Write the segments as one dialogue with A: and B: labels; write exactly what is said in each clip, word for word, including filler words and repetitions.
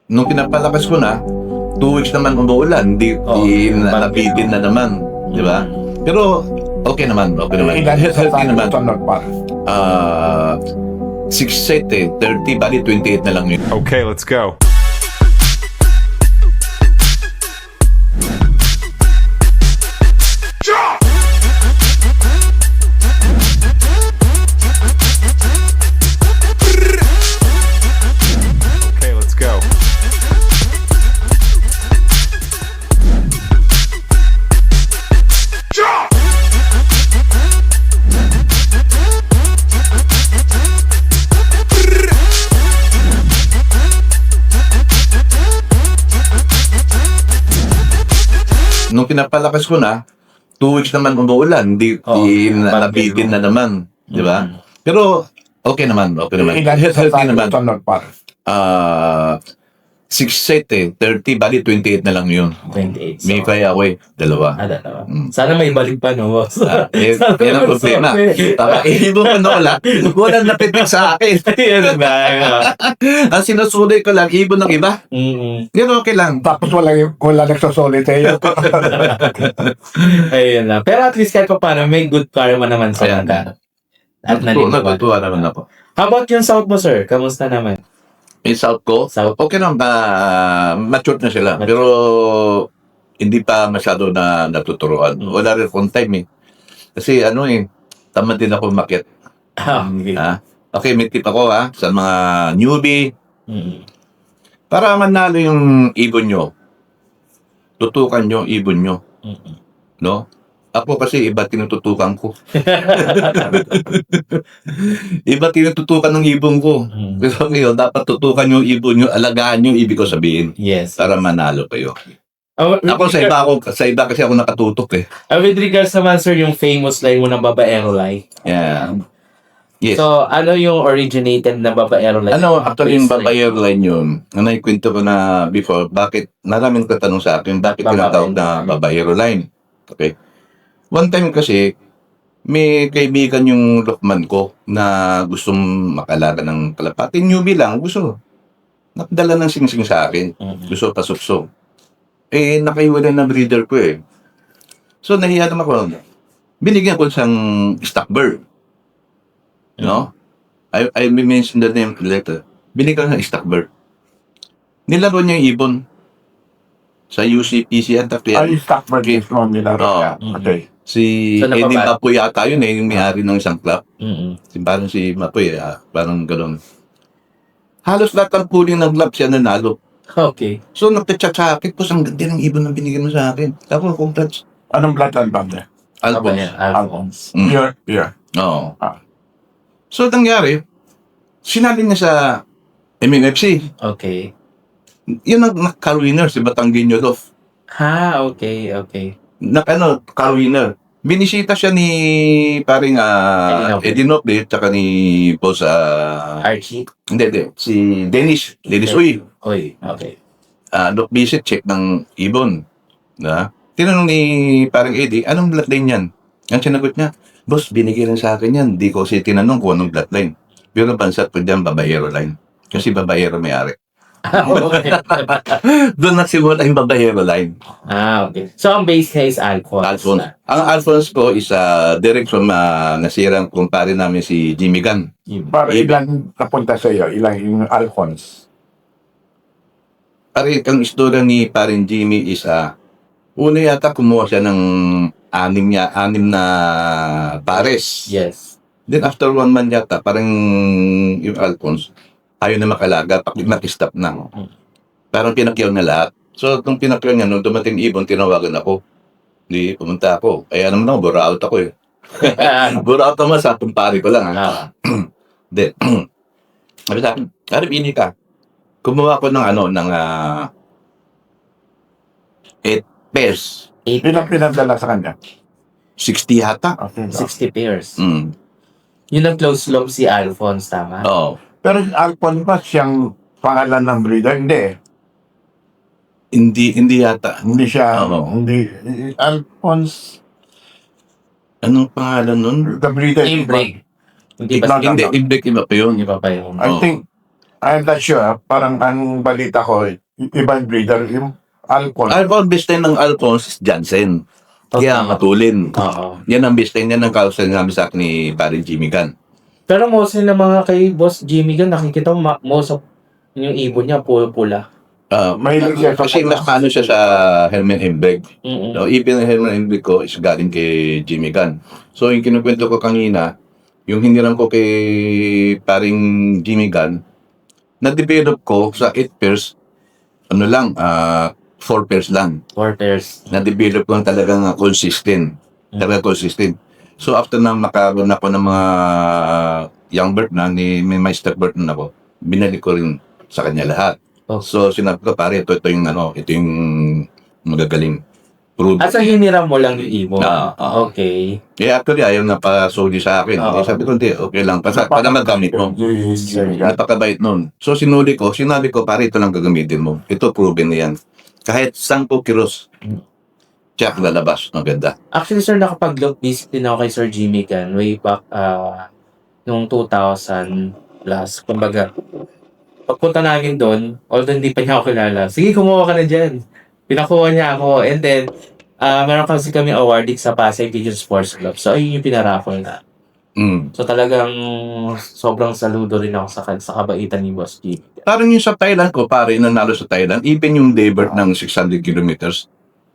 A: nung pinapalakas ko na, two weeks naman umuulan, di,
B: Oo,
A: di na,
B: bagyo.
A: nabitin na naman, di ba? Pero okay naman, okay naman.
C: Ilan sa
A: Okay
C: tayo
A: naman.
C: sunod pa?
A: Ah, six set eh, thirty, bali twenty-eight na lang yun.
D: Okay, let's go. Okay, let's go.
A: Nung pinapalakas ko na, two weeks naman umuulan, di,
B: Oo,
A: di na,
B: bagyo.
A: nabitin na naman, di ba? Pero okay naman, okay naman.
C: Ilan sa
A: Okay
C: tayo
A: naman.
C: sunod pa?
A: Ah, six set eh, thirty, bali twenty-eight na lang yun.
B: twenty-eight. So,
A: May kaya ako eh, dalawa.
B: ah, dalawa.
A: Mm.
B: Sana may balik pa, no, boss?
A: Ah, eh,
B: Sana
A: yan ang
B: may
A: problema.
B: sorte.
A: Tama, eh, mo pa wala, walang napitik sa akin.
B: Yan ba?
A: Ang sinusulit ko lang, ibon ng iba.
B: Mm-mm.
A: Yan okay lang.
C: Tapos wala, wala nagsasolid sa'yo.
B: Ayun na. Pero at least kahit pa paano, may good karma naman sa
A: Ayan.
B: mata. At
A: Natutuwa,
B: naliliwan.
A: natutuwa naman ako.
B: How about yung South mo, sir? Kamusta naman?
A: Yung South ko,
B: South?
A: okay naman, uh, mature na sila.
B: Mature.
A: Pero hindi pa masyado na natuturuan.
B: Mm.
A: Wala rin akong time eh. Kasi ano eh, tamad din ako umakyat.
B: Ah, okay.
A: Ha? Okay, may tip ako ha, sa mga newbie.
B: Mm.
A: Para manalo yung ibon nyo, tutukan nyo yung ibon nyo.
B: Mm-mm.
A: No? Ako kasi iba tinututukan ko. Iba tinututukan ng ibon ko.
B: Mm.
A: Pero ngayon, dapat tutukan yung ibon nyo, alagaan yung ibig ko sabihin.
B: Yes.
A: Para manalo kayo.
B: Uh, with,
A: Ako sa iba ako, sa iba kasi ako nakatutok eh.
B: uh, with regards naman, sir, yung famous line mo ng babaero line.
A: Yeah. Yes.
B: So, ano yung originated na babaero line?
A: ano, actually yung babayer line yun, na naikwento ko na before, bakit, maraming katanong sa akin, bakit
B: Babae.
A: tinatawag na babayero line? Okay. One time kasi, may kaibigan yung lokman ko na gustong makalaga ng kalapati. Newbie lang, gusto. Nakadala ng singsing sa akin.
B: Mm-mm.
A: Gusto pasukso. Eh, nakaiwala na breeder ko eh. So, nahiya naman ako. Binigyan ko siyang stock bird. No? I, I may mention the name later. Binigyan ko ng stock bird. Nilaro niya yung ibon. Sa U C P C at
C: Ay, stock market mo nila.
A: Oo.
C: Okay.
A: Si
B: So,
A: Eddie
B: napapa-
A: Mapoy yata yun eh, yung may-ari ng isang club.
B: Mm-mm.
A: Si, parang si Mapoy, ah, parang gano'n. Halos lahat ng puling ng club siya nanalo.
B: Okay.
A: So, nagtatchat sa akin, po, ang ganda ng ibon na binigyan mo sa akin. Ako, congrats.
C: Anong bloodline ba niya?
A: Albon.
B: Babaero, Alphonse.
A: Mm.
C: Pure, pure.
A: Oo.
C: Ah.
A: So, nangyari, sinali niya sa M M F C.
B: Okay.
A: Yun ang car-winner, si Batanguinho Love.
B: Ha, okay, okay.
A: Na, ano, car-winner. Binisita siya ni paring uh,
B: Eddie
A: Eddie Noble, tsaka ni Boss, ah,
B: Archie.
A: hindi, hindi, si Dennis, Dennis Uy.
B: Oy, okay.
A: Uh, look visit, check ng ibon. Na? Tinanong ni paring Eddie, anong bloodline yan? Ang sinagot niya, boss, binigyan lang sa akin yan. Di ko kasi tinanong kung anong bloodline. Pero napansat ko dyan, babayero line. Kasi babayero may-ari.
B: okay.
A: Doon nagsimula yung babayero line.
B: Ah, okay. So, ang base niya is Alphonse.
A: Alphonse. Ang Alphonse ko is uh, direct from uh, nasirang kumpare namin si Jimmy Gunn.
B: Yun.
C: Para
A: Ibig-
C: ilan napunta sa iyo? Ilan yung Alphonse?
A: Pare, ang istorya ni parin Jimmy is uh, una yata kumuha siya ng anim niya, anim na pares.
B: Yes.
A: Then after one month yata, parang yung Alphonse, ayaw na makalaga, pag nakistop na. Parang pinakyaw na lahat. So, nung pinakyaw niya, nung dumating ibon, tinawagan ako. Hindi, pumunta ako. Kaya naman ako, bura out ako eh. Bura out naman sa kumpare ko lang. Ha?
B: Ah,
A: Then, sabi sa akin, Karib, ini ka. Kumuha ko ng ano, ng uh, eight pairs.
B: eight,
C: Ilang pinadala sa kanya?
A: sixty yata.
C: Okay.
B: sixty pairs.
A: Mm.
B: Yun ang close love si Alphonse, tama?
A: Oo.
C: Pero yung Alphonse ba siyang pangalan ng breeder? Hindi.
A: Hindi, hindi yata.
C: Hindi siya,
A: Oo.
C: hindi. Alphonse,
A: Anong pangalan nun?
C: the breeder.
B: Name break. Hindi
C: No,
B: ba?
C: no,
A: Hindi,
C: no.
A: Imbek iba pa yun.
B: Hindi pa pa yung...
C: I
A: Oo.
C: think, I'm not sure. ah. Parang ang balita ko, i- ibang breeder, yung Alcon.
A: Alphonse, best line ng Alphonse is Jansen. Kaya
B: Okay.
A: matulin.
B: Oo.
A: Yan ang best line, yan ang kausan namin sa akin ni parin Jimmy Gunn.
B: Pero mostly na mga kay Boss Jimmy Gunn, nakikita mo ma- most of yung ibon niya pula-pula.
A: Ah,
C: Mahilig siya sa
A: kasi mas paano siya sa Herman Hembreg.
B: Mm-mm.
A: No, even ang Herman Hembreg ko is galing kay Jimmy Gunn. So yung kinukwento ko kanina, yung hiniram ko kay paring Jimmy Gunn, na-develop ko sa eight pairs, ano lang, ah four pairs lang.
B: Four pairs.
A: Na-develop ko lang talagang ah, consistent. Talaga consistent. So after na makaroon ako ng mga young bird na, ni, may master bird na ako, binalik ko rin sa kanya lahat.
B: Oh.
A: So sinabi ko, pare, ito, ito yung ano, ito yung magagaling. Prove.
B: At sa hiniram mo lang yung ibon.
A: Ah, ah.
B: Okay.
A: Eh actually, ayaw na pa-soli sa akin.
B: Oo.
A: Eh, sabi ko, hindi, okay lang. Para, para magamit mo.
C: Sir.
A: Napakabait nun. So sinuli ko, sinabi ko, pare, ito lang gagamitin mo. Ito, proven na yan. Kahit sampu kilos, check lalabas. Ang ganda.
B: Actually, sir, nakapag-look visit din ako kay Sir Jimmy Gunn way back uh, noong two thousand plus. Kumbaga, pagpunta namin doon, although hindi pa niya ako kilala, sige, kumuha ka na dyan. Pinakuha niya ako. And then, uh, meron kasi kami awarding sa Pasay Pigeon Sports Club. So, ayun yung pinaraffle na.
A: Mm.
B: So, talagang sobrang saludo rin ako sa, sa kabaitan ni Boss Jimmy.
A: Parang yung sa Thailand ko, pare, nanalo sa Thailand, even yung Daybird ng six hundred kilometers.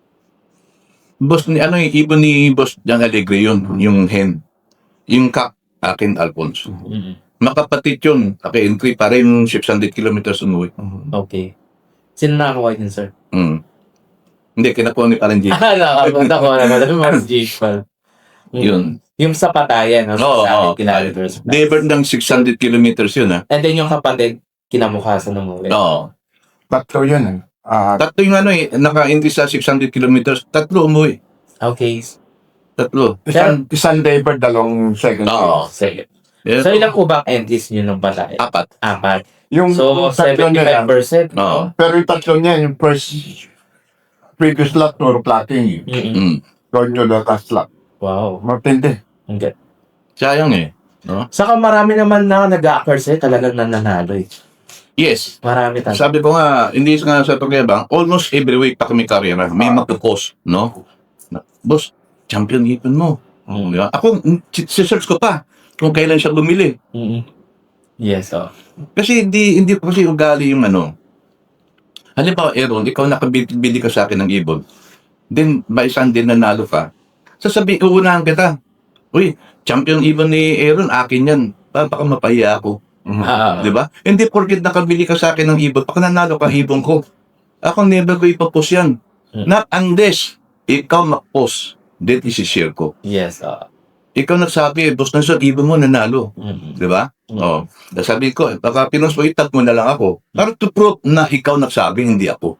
A: Boss ni, ano yung ibon ni Boss Jan Alegre yun, yung hen. Yung kak, akin Alphonse.
B: Mm-hmm.
A: Makapatid yun, okay, entry pa rin six hundred kilometers umuwi.
B: Okay. Sino nakakuha din, sir?
A: Mm. Hindi, kinakuha ni parang J.
B: Ah, nakapunta ko naman. Boss Jimmy pala. Mm.
A: Yun.
B: Yung sa patayan, no?
A: Oo,
B: sa
A: oo.
B: akin, kilometers.
A: Daybird ng six hundred kilometers yun, ha?
B: And then yung kapatid, kinamukasan ng movie.
A: Oo.
C: Tatlo yun eh. Ah,
A: Tatlo yung ano eh, naka-entry sa six hundred kilometers, tatlo umuwi.
B: Okay.
A: Tatlo.
C: isang, isang Daybird, dalawang second.
A: Oo.
B: Sige.
A: Yeah.
B: So, ilang kubang entries nyo ng patayan?
A: Apat.
B: Apat.
C: Yung
B: So,
C: tatlo niya
B: seventy-five
C: yan.
B: percent.
A: Oo.
C: Pero yung tatlo niya, yung first previous lot, puro plating.
B: Mm-mm.
A: Mm.
C: Doon yun na last lot.
B: Wow.
C: Matindi.
B: Okay.
A: Sayang eh. No?
B: Saka marami naman na nag-a-occurs eh, talagang nananalo eh.
A: Yes.
B: Marami talaga.
A: Sabi ko nga, hindi nga sa pagyabang, almost every week pa kami karera, may magpo-post, no? Na, Boss, champion ipon mo.
B: Mm.
A: Di ba? Ako, mm, si- si-search ko pa kung kailan siya bumili.
B: Mm-mm. Yes, oh.
A: Kasi hindi hindi ko kasi ugali yung ano. Halimbawa, Aaron, ikaw nakabili ka sa akin ng ibon. Then, by Sunday nanalo ka. Sasabihin, uunahan kita. Uy, champion ibon ni Aaron, akin yan. Pa- Baka mapahiya ako.
B: Ah,
A: Di ba? Hindi porket nakabili ka sa akin ng ibon, pag nanalo ka ibon ko. Ako never ko ipapost yan.
B: Hmm.
A: Not unless ikaw mag-post. Then isi-share ko.
B: yes, oh.
A: Ikaw nagsabi, boss na sa ibon mo nanalo.
B: Mm-mm.
A: Di ba?
B: Mm.
A: Oo. Sabi ko, baka pinost mo, itag mo na lang ako. Para to prove na ikaw nagsabi, hindi ako.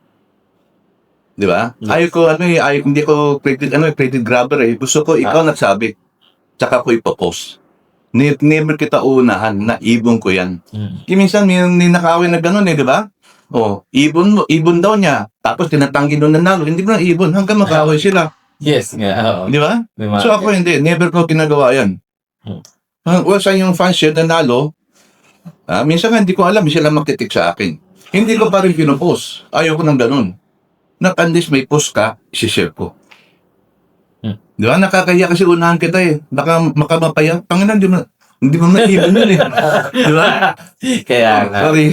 A: Di ba?
B: Yes.
A: Ayaw ko, ano eh, ayaw, hindi ko credit, ano, eh, credit grabber eh. Gusto ko, ikaw nagsabi. Tsaka ko ipapost. Ne- Never kita unahan na ibon ko yan.
B: Mm.
A: Kasi minsan may, may nakawin na gano'n eh, di ba? Oh, ibon mo, ibon daw niya. Tapos tinatanggi doon nanalo. Hindi mo na ibon hanggang makawin sila.
B: Yes, nga, oo.
A: Di ba?
B: May mga-
A: So ako hindi, never ko ginagawa yan.
B: Hmm.
A: Ah, well, sa yung fans share nanalo, ah, minsan nga hindi ko alam, sila magtitik sa akin. Hindi ko pa rin pinupost. Ayaw ko ng ganun. Not unless may post ka, isi-share ko.
B: Hmm.
A: Di ba? Nakakaya kasi unahan kita eh. Baka makamapaya. Panginan, di mo, hindi mo na ibon yun eh. Di ba?
B: Kaya nga.
A: Sorry.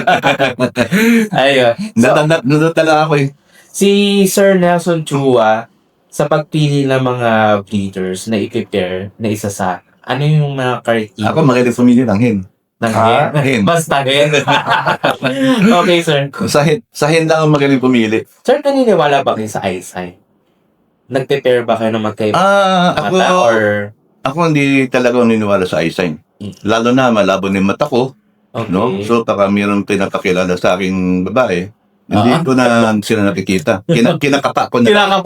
B: Ayun. So,
A: Natanda, natala ako eh.
B: si Sir Nelson Chua, sa pagpili ng mga breeders na i-prepare na isa sa, ano yung mga criteria?
A: Ako magaling pumili ng hen.
B: ng
C: Ah,
B: hen?
A: hen.
B: Basta hen. Okay, sir.
A: Sa hen, sa hen lang ako magaling pumili.
B: Sir, naniniwala ba kayo sa eyesight? Nag-prepare ba kayo ng magkaiba
A: Ah, ako,
B: mata or...
A: ako hindi talaga ako niniwala sa eyesight.
B: Hmm.
A: Lalo na malabo na yung mata ko,
B: Okay.
A: no? So, baka mayroong pinapakilala sa aking babae, hindi
B: Ah.
A: ko na sila nakikita. Kina, kinakapa ko na.
B: Kinakapa.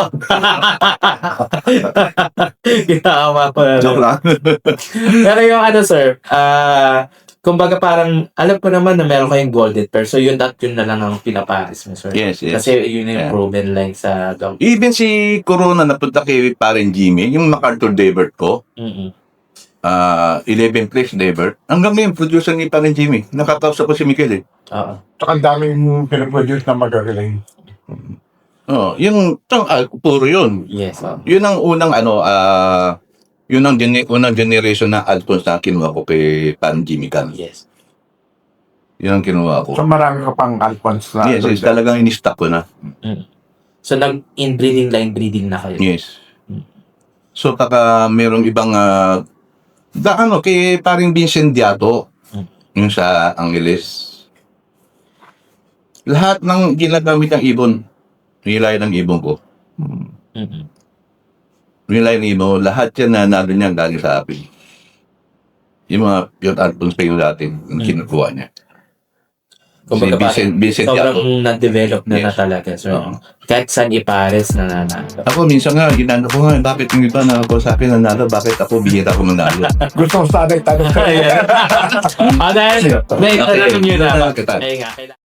B: Kinakapa ko na.
A: Joke lang.
B: Pero yung ano, sir, ah, kumbaga parang, alam ko naman na meron kayong golden pair. So, yun at yun na lang ang pinaparis mo, sir.
A: Yes, yes.
B: Kasi yun yung
A: Yeah.
B: proven line sa gam.
A: Even si Corona napunta kay Parang Jimmy, yung MacArthur Daybird ko,
B: Mm-mm.
A: ah, eleven place never. Hanggang ngayon, producer ni Parin Jimmy. Nakakausap ko si Miguel eh.
B: Oo.
C: Tsaka ang daming pinaproduce na magagaling.
A: Oh, yung tang ah, puro yun.
B: Yes. oo.
A: Yun ang unang ano, ah, yun ang gene- unang generation na albums na kinuha ko kay Parin Jimmy Can.
B: Yes.
A: Yun ang kinuha ko.
C: So marami ka pang Alphonse na.
A: Yes, yes, talagang in-stock ko na.
B: So, nag-inbreeding line breeding na kayo.
A: Yes. So, taka merong ibang, ah, da, ano, kay paring Vincent Diato, yung sa Angeles. Lahat ng ginagamit ng ibon, nilay ng ibon ko.
B: Mm-mm.
A: Nilay ng ibon, lahat yan na naroon niya galing sa akin. Yung mga pure albums pa yung dati, yung kinukuha niya.
B: Kumbaga,
A: Si Vincent, Vincent Diato.
B: sobrang na-develop na na
A: Yes.
B: talaga. So,
A: Oo.
B: kahit saan ipares na nanalo.
A: Ako minsan nga, ginano ko nga, bakit yung iba na ako sa akin nanalo, bakit ako bihira ko manalo?
C: Gusto ko sana itanong sa'yo.
B: Ayan. Ah, dahil, may
A: Okay.
B: tanong nyo na.
A: Okay.
B: Ayun nga, kailangan.